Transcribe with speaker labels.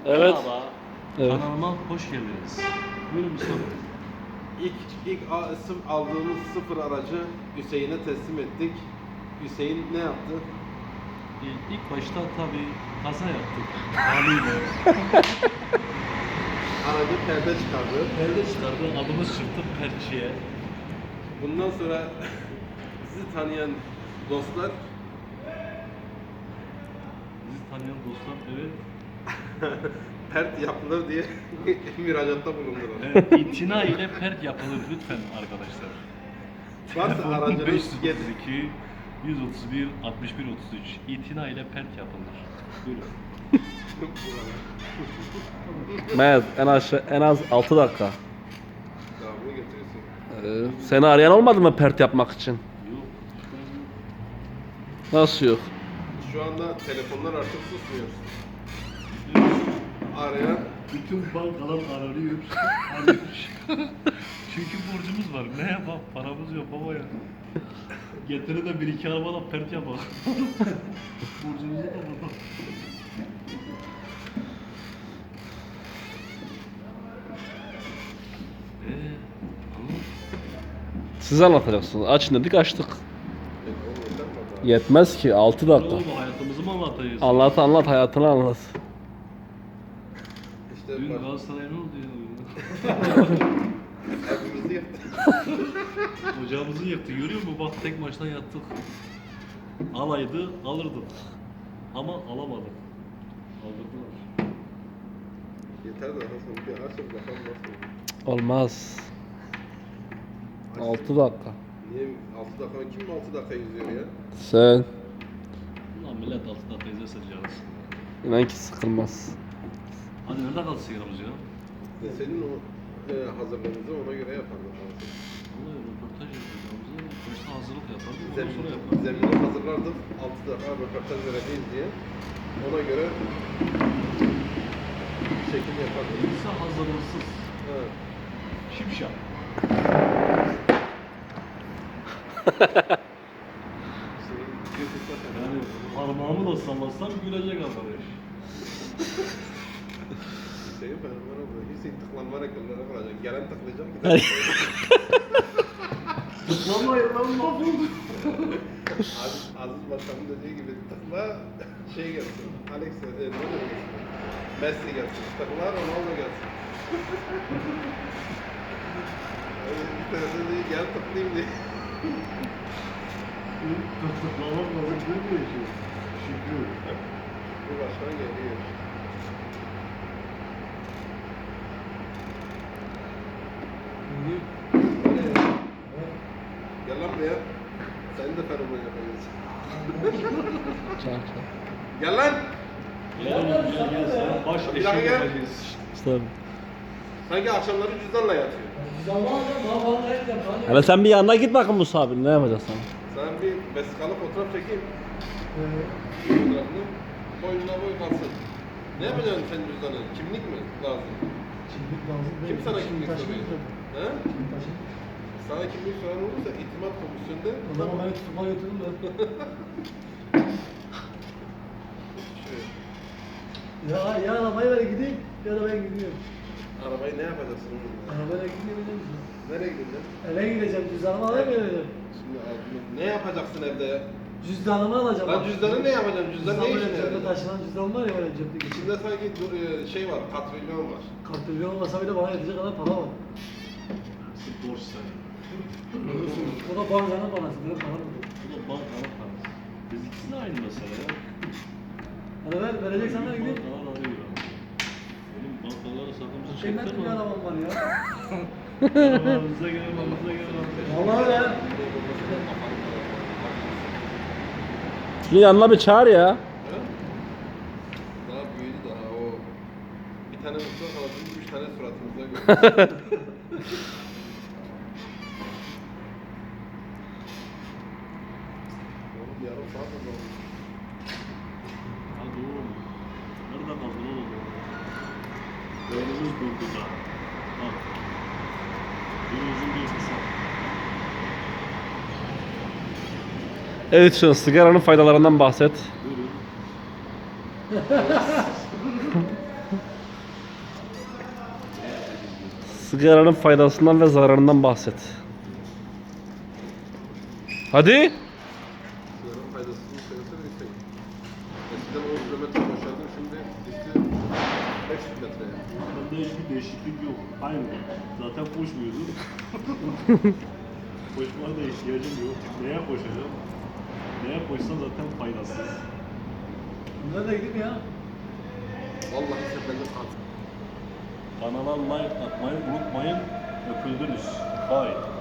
Speaker 1: Evet.
Speaker 2: Merhaba.
Speaker 1: Evet.
Speaker 2: Kanalıma hoş geldiniz. Buyurun Mustafa Bey.
Speaker 3: İlk aldığımız sıfır aracı Hüseyin'e teslim ettik. Hüseyin ne yaptı?
Speaker 2: İlk başta tabii kaza yaptık. Haliyle.
Speaker 3: Aracı perde çıkardı.
Speaker 2: Perde çıkardı, adımız çıktı perçiye.
Speaker 3: Bundan sonra sizi tanıyan dostlar
Speaker 2: Bizi tanıyan dostlar, evet.
Speaker 3: pert yapılır diye müracaatta bulundular.
Speaker 2: Evet, itina ile pert yapılır lütfen arkadaşlar.
Speaker 3: Varsa
Speaker 2: Telefon
Speaker 3: aracınız
Speaker 2: 532 131 61 33 itina ile pert yapılır. Buyurun.
Speaker 1: Mehmet en az 6 dakika.
Speaker 3: Devamını getiriyorsun.
Speaker 1: Seni arayan olmadı mı pert yapmak için?
Speaker 2: Yok.
Speaker 1: Nasıl yok?
Speaker 3: Şu anda telefonlar artık susmuyor. Arayan
Speaker 2: Bütün bankalar aranıyor. Çünkü borcumuz var. Ne yapalım? Paramız yok baba ya. Getire de bir iki arabadan pert yapalım. Borcumuzu da burada.
Speaker 1: Siz anlatacaksınız. Açın dedik açtık. Yetmez ki 6 dakika.
Speaker 2: Oğlum hayatımızı mı anlatacağız?
Speaker 1: Anlat hayatını anlat.
Speaker 3: işte
Speaker 2: Dün
Speaker 3: bak,
Speaker 2: Galatasaray'a ne oldu ya?
Speaker 3: evimizi yaptı.
Speaker 2: Ocağımızı yaktı. Görüyor musun? Bak tek maçtan yattık. Alaydı alırdık. Ama alamadık. Aldırdılar.
Speaker 3: Yeter de Hasan bir açıp bakalım nasıl.
Speaker 1: Olmaz. 6 dakika.
Speaker 3: Niye 6 dakika? Kim 6 dakika yüzüyor ya?
Speaker 1: Sen
Speaker 2: Ulan millet altında teyze sıcağız.
Speaker 1: inan ki sıkılmaz.
Speaker 2: Hadi nerede kaldı sigaramız ya?
Speaker 3: Senin o hazırlığınızı ona göre yapardık.
Speaker 2: Vallahi röportaj yapacağımızı başta hazırlık yapardık. Ondan sonra yapardık.
Speaker 3: Zemini hazırlardık. 6 dakika röportaj vereceğiz diye. Ona göre şekil yapardık.
Speaker 2: Kimse hazırlıksız.
Speaker 3: Evet.
Speaker 2: Şipşak.
Speaker 3: Senin YouTube'da
Speaker 2: Yani parmağımı da sallasam gülecek arkadaş.
Speaker 3: Hüseyin fenomen oldu. Hüseyin tıklanma rekorları kıracak. Gelen tıklayacak. Giden
Speaker 2: Tıklamayın lan mahvolduk.
Speaker 3: Aziz Başkan'ın dediği gibi tıkla şey gelsin. Alex ne demek? Messi gelsin. Tıkla Ronaldo gelsin. Bir tanesi diyor gel tıklayayım diye.
Speaker 2: Tıklamak lazım demiyor ki. Şükür.
Speaker 3: Bu başkan geliyor. Gel lan buraya. Sen de fenomen yapacağız. Gel lan.
Speaker 2: Gel sen baş
Speaker 3: Bir dakika
Speaker 2: eşeği
Speaker 3: gel.
Speaker 2: yapacağız.
Speaker 3: Sanki akşamları cüzdanla yatıyor.
Speaker 1: Hele sen bir yanına git bakın Musa abi ne yapacaksın?
Speaker 3: Sen bir vesikalı fotoğraf çekeyim. Fotoğrafını boynuna boy kalsın. Ne yapacaksın sen cüzdanı? Kimlik mi lazım?
Speaker 4: Kimlik lazım değil.
Speaker 3: Kim sana kimlik
Speaker 4: taşıyayım
Speaker 3: soruyor?
Speaker 4: tabii.
Speaker 3: He?
Speaker 4: Kimlik taşıyayım.
Speaker 3: Sana kimlik soran olursa itimat komisyonunda
Speaker 4: O zaman beni tutma götürün de.
Speaker 3: Şöyle,
Speaker 4: Ya arabayı ver gideyim ya da ben gidiyorum.
Speaker 3: arabayı ne yapacaksın?
Speaker 4: Arabayla gideyim.
Speaker 3: Nereye gideceksin?
Speaker 4: Eve gideceğim, cüzdanımı alayım geleceğim.
Speaker 3: Şimdi ne yapacaksın evde ya?
Speaker 4: Cüzdanımı alacağım.
Speaker 3: Lan cüzdanı ne yapacaksın? Cüzdan ne işine
Speaker 4: Cebde
Speaker 3: yarayacak?
Speaker 4: taşınan cüzdan var ya böyle cepte geçin.
Speaker 3: İçinde sanki şey var, katrilyon var.
Speaker 4: Kartılıyor olmasa bile bana yetecek kadar para var.
Speaker 2: Borç sen.
Speaker 4: O da bankanın parası, benim param yok.
Speaker 2: Bu da bankanın parası. Biz ikisi de aynı mesele ya.
Speaker 4: Hadi ver, vereceksen ver gideyim.
Speaker 2: Bankalar arıyor abi. Benim bankalara sakımızı
Speaker 4: Kıymetli
Speaker 2: çektim
Speaker 4: bir
Speaker 2: ama.
Speaker 4: arabam var ya.
Speaker 2: Arabamıza gelin, arabamıza gelin.
Speaker 4: Vallahi öyle.
Speaker 1: Şunu yanına bir çağır ya.
Speaker 3: Ha? Daha büyüdü daha o. Bir tane mutlu kalasın, 3 tane suratımızda görüyoruz. Oğlum yarım saat oldu.
Speaker 2: Hadi oğlum. Nerede kaldın oğlum? Beynimiz durdu da. Bak. Bir uzun bir kısa.
Speaker 1: Evet şu sigaranın faydalarından bahset.
Speaker 2: Buyurun.
Speaker 1: Sigaranın faydasından ve zararından bahset. Hadi.
Speaker 3: Sigaranın faydasını söylesene Hüseyin. Eskiden 10 kilometre koşardım, şimdi düştü 500 metreye.
Speaker 2: Bende hiçbir değişiklik yok. Aynı. Zaten koşmuyordum. Koşmaya da ihtiyacım yok. Neye koşacağım? Neye koşsam zaten faydasız.
Speaker 4: Bunlar da gidip ya.
Speaker 3: Vallahi sen benden al.
Speaker 2: Kanala like atmayı unutmayın. Öpüldünüz. Bye.